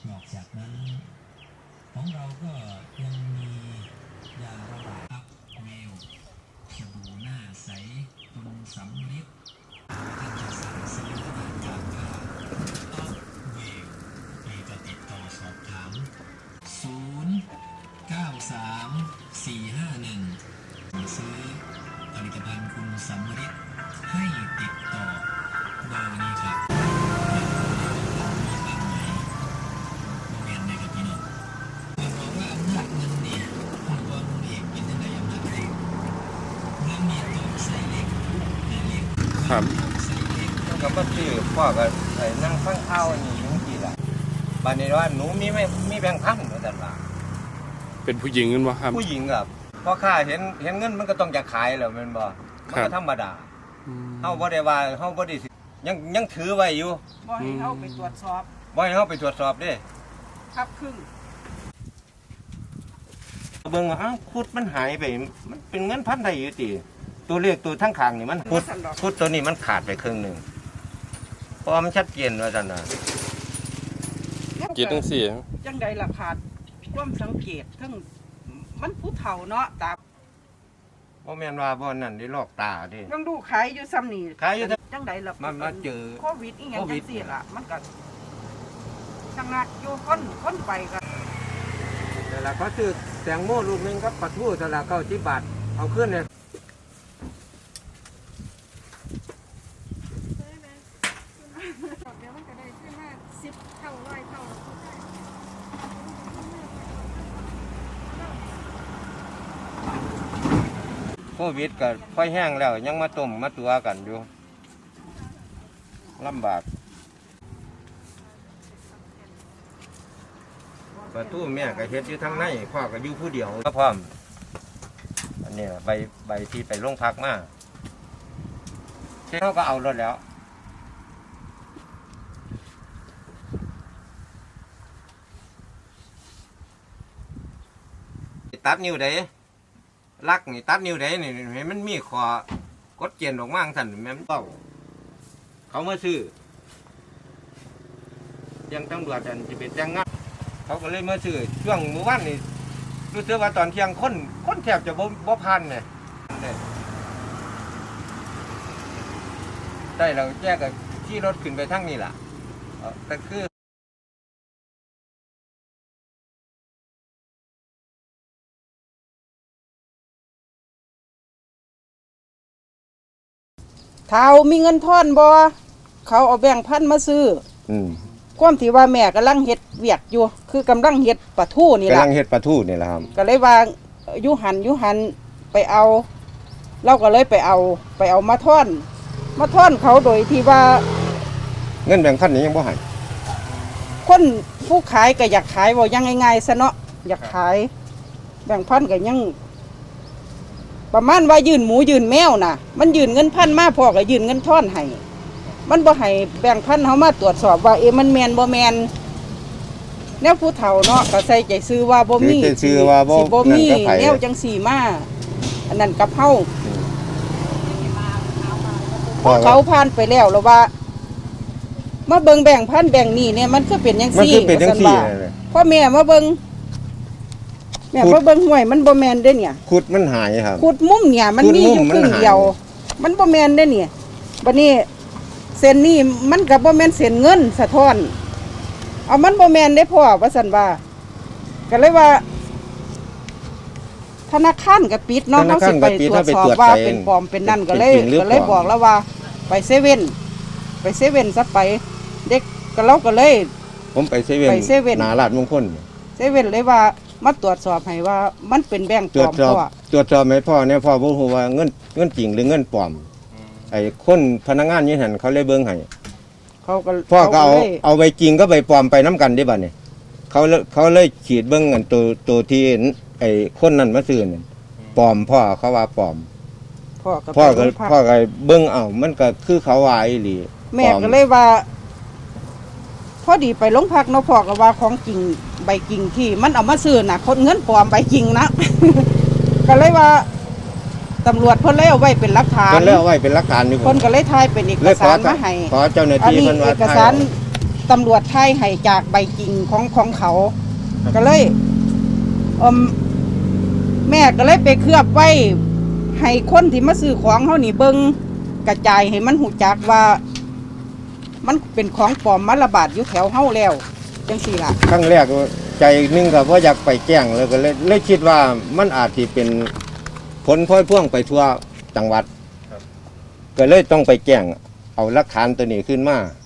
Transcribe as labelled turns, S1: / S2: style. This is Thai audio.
S1: นอกจากนั้นของเราก็ยังมียาระบายอัพเมลสบู่หน้าใสคุณสำลิดท่านจะสั่งซื้อได้จากอัพเวลมีก็ติดต่อสอบถาม093451ซื้อผลิตภัณฑ์คุณสำลิดให้ติดต่อเบอร์นี้ครับเรียนในกับพี่น้องบอกว่าอำนาจเงินนี่คุณบอลเอกเป็นยังไงอำนาจเล็กเงินมีตัวใส่เล็กแต่เล็กครับใส่เล็ก
S2: ก็มาซื้อพ่อก็นั่งฟังข่าวนี่จังซี่ล่ะบัดนี้ว่าหนูมีแบงค์พันว่าซั่นว่า
S3: เป็นผู้หญิงกันวะครับ
S2: ผู้หญิงครับพอข้าเห็นเงินมันก็ต้องจะขายแล้วแม่นบ่มันก็ธรรมดาเฮาบ่ได้ว่าเฮาบ่ได้ยังถือไว้อยู่
S4: บ่ให้เฮาไปตรวจสอบ
S2: บ่ให้เฮาไปตรวจสอบเด้
S4: ครับครึ่ง
S2: เบิ่งอ้าวคุดมันหายไปมันเป็นเงินพันได้อยู่ติตัวเลขตัวทั้งข้างนี่มันคุดตัวนี้มันขาดไปครึ่งนึงเพราะมันชัดเจนว่าซั่นน่ะ
S3: เกียรติทั้งสี่
S4: จังใดล่ะขาดความสังเกตทั้งมันผู้เฒ่าเนาะตา
S2: บ่แม่นว่าบ่นั่นได้ลอกตาเด้
S4: ต้องดูขายอยู่ซ้ำนี่
S2: ขายอยู่
S4: จังใดล่ะ
S2: มาเจอ
S4: โควิดอีหยังจังซี่ล่ะมันก็ชะงักอยู่คนไปก็
S2: แต่ละเขาซื้อแตงโมลูกนึงครับปลาทูแต่ละ90 บาทเอาขึ้นเนี่ยโควิดก็ค่อยแห้งแล้วยังมาต้มมาตัวกันอยู่ลำบากประตูแม่ก็เฮ็ดอยู่ทางในพ่อก็อยู่ผู้เดียวก็พร้อมอันนี้ใบที่ไปโรงพักมาเขาก็เอารถแล้วตัดนิ้วได้ลักนี่ตัดนิ้วได้นี่เห็นมันมีคอกดเจียนออกมาสั่นแม่นเต้าเขามาซื้อยังตำรวจอันจะเป็นจังงัดเขาก็เลยมาซื้อช่วงเมื่อวานนี่รู้สึกว่าตอนเที่ยงคนแทบจะบ่พันเนี่ยได้เราแยกกับที่รถขึ้นไปทั้งนี้ล่ะแต่คือ
S4: เฒ่ามีเงินทอนบ่เขาเอาแบงค์พันมาซื้อความที่ว่าแม่กำลังเฮ็ดเวียกอยู่คือกำลังเฮ็ดปลาทูนี่ล่ะ
S2: กำลังเฮ็ดปลาทูนี่ล่ะครับ
S4: ก็เลยว่าอยู่หันไปเอาเราก็เลยไปเอามาทอนเขาโดยที่ว่า
S2: เงินแบงค์พันนี้ยังบ่ให้
S4: คนผู้ขายก็อยากขายบ่ยังง่ายๆซะเนาะอยากขายแบงค์พันก็ยังประมาณว่ายื่นหมูยื่นแมวน่ะมันยื่นเงินพันมาพ่อก็ยื่นเงินทอนให้มันบ่ให้แบ่งพันเฮามาตรวจสอบว่ามันแม่นบ่แม่นแนวผู้เฒ่าเนาะก็ใส่ใจซื้อว่าบ่มี
S2: สิบ่
S4: มีแนวจังซี่มาอันนั้นกับเฮาเขาผ่านไปแล้วว่ามาเบิ่งแบ่งพันแบ่งนี่เนี่ยมันก็เป็นจังซี่พ่อแม่มาเบิ่งแม่มาเบิ่งห้วยมันบ่แม่นเด้เนี่ย
S2: ขุดมันหายครับ
S4: ขุดมุมเนี่ยมันมีอยู่ครึ่งเดียวมันบ่แม่นเด้เนี่ยบัดนี้เส้นนี้มันก็บ่แม่นเส้นเงินสะท้อนเอามันบ่แม่นได้พ่อว่าซั่นว่าก็เลยว่าธนาคารก็ปิดเนาะเฮาสิไปตรวจสอบว่าเป็นปลอมเป็นนั่นก็เลยบอกแล้วว่าไปเซเว่นซะไปเด็กก็เราก็เลย
S2: ผมไปเซเว่นหน้าลาดมงคล
S4: เซเว่นเลยว่ามาตรวจสอบให้ว่ามันเป็นแบงค์ปลอมพ่อ
S2: ตรวจสอบให้พ่อเนี่ยพ่อบ่ฮู้ว่าเงินจริงหรือเงินปลอมไอ้คนพนักงานนี่หั่นเขาเลยเบิ่งให้พ่อก็เอาใบจริงก็ใบปลอมไปน้ำกันได้บัดนี้เขาเลยขีดเบิ่งอันตัวที่ไอ้คนนั้นมาซื้อนั่นปลอมพ่อเขาว่าปลอมพ่อก็เบิ่งมันก็คือเขาว่าอีหลี
S4: แม่ก็เลยว่าพอดีไปโรงพักเนาะพ่อก็ว่าของจริงใบจริงที่มันเอามาซื้อน่ะคนเงินปลอมใบจริงนะ ก็เลยว่าตำรวจเพิ่นเลยเอาไว้เป็นหลักฐาน
S2: เพิ่นเลยเอาไว้เป็นหลักฐานอยู่
S4: เพิ่นก็เลยถ่ายเป็นเอกสารมาให้
S2: ขอเจ้าหน้าที่เพิ่นว่า
S4: เอกสารตำรวจไทยให้จากใบจริงของเขา ก็เลยแม่ก็เลยไปเคลือบไว้ให้คนที่มาซื้อของเขานี่เบิ่งกระจายให้มันหูจักว่า มันเป็นของปลอมมาระบาดอยู่แถวเฮาแล้วจังซี่ล่ะ
S2: ครั้งแรกใจหนึงก็บ่อยากไปแจ้งเลยก็เลยคิดว่ามันอาจสิเป็นผลพลอยพ่วงไปทั่วจังหวัดก็เลยต้องไปแจ้งเอาหลักฐานตัวนี้ขึ้นมา